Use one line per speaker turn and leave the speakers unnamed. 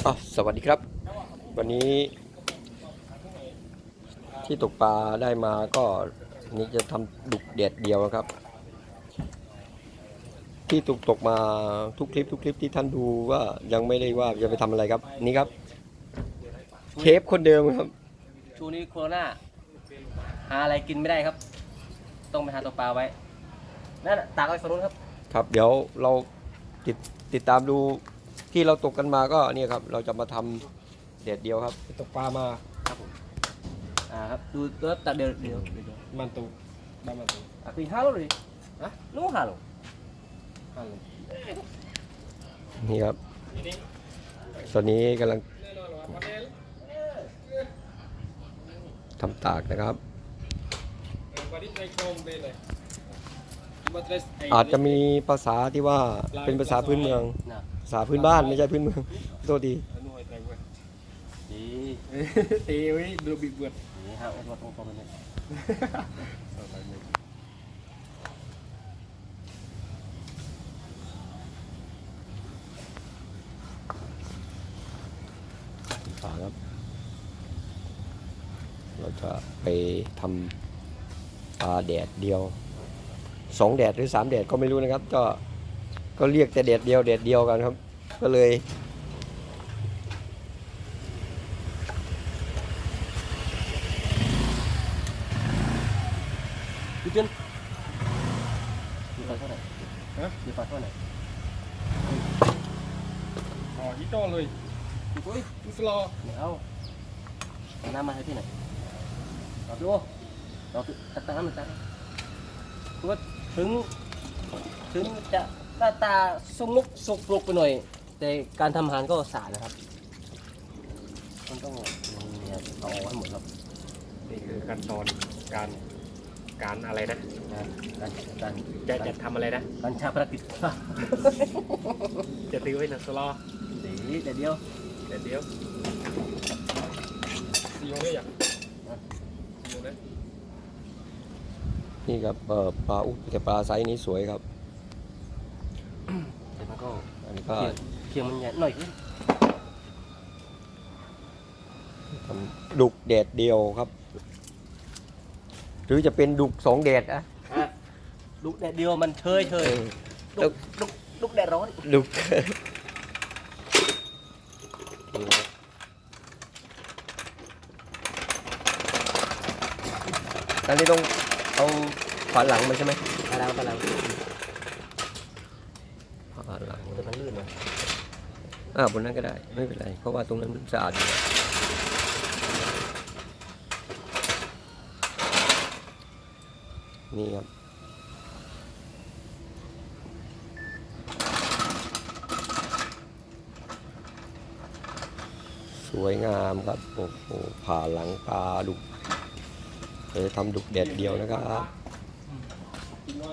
สวัสดีครับวันนี้ที่ตกปลาได้มาก็นี่จะทำดุกเด็ดเดียวครับที่ตกมาทุกคลิปที่ท่านดูว่ายังไม่ได้ว่าจะไปทำอะไรครับนี่ครับเชฟคนเดิมครับ
ช่วงนี้โควิดหาอะไรกินไม่ได้ครับต้องไปหาตัวปลาไว้นั่นตากไว้ฝั่งนู้นครับ
ครับเดี๋ยวเราติดตามดูที่เราตกกันมาก็เนี่ยครับเราจะมาทำเด็ดเดียวครับตกปลามา
ครับผมครับดูตัวตากเดียว
มันตูบ้านมันตู
คือห้าโลเลยนู้ห้าโล
นี่ครับตอนนี้กำลังทำตากนะครับอาจจะมีภาษาที่ว่าเป็นภาษาพื้นเมืองภาษาพื้นบ้านไม่ใช่พื้นเมืองโทษดี
ตีไว้ดูบิดเบือดนี่ฮะวัดองค์ประมาณนี้
ฝาครับเราจะไปทำปลาแดดเดียว2 แดดหรือ3 แดดก็ไม่รู้นะครับก็เรียกแต่แดดเดียวกันครับก็เลย
พี่เจนมีไฟเท่าไหร่มีไฟเท่าไหร่
ฮิโต้เลยดูสโล
เอาน้ำมาให้ที่ไหนเราดูตักน้ำมันตักก็ถึงจะหน้าตาสกปรกไปหน่อยแต่การทำอาหารก็สะอาดนะครับมันต้องเอาให้หมดครับ
นี่คือขั้นตอนการอะไรนะ
การ
จะทำอะไรนะ
การชาปนกิจ
จะตีไว้นะสโล
เดี๋ยว
ซีโอได้ยังซีโอได้
นี่ครับปลาแต่ปลาไซส์นี้สวยครับ
แต่มันก็
อันนี้ก็
เคียงมันใหญ่หน่อยขึ้น
ทำดุกแดดเดียวครับหรือจะเป็นดุก2 แดดอะ
ดุกแดดเดียวมันเชยดุกแดดร้อน
ดุกอันนี้ต้องเอาฝาหลังมาใช่ไหม
ฝาหลัง
ฝาหลัง
แต่มันลื่นนะ
บนนั้นก็ได้ไม่เป็นไรเพราะว่าตรงนั้นมันสะอาดอยู่นี่ครับสวยงามครับโอ้โหผ่าหลังปลาดุกเลยทำดุกแดดเดียวนะครับ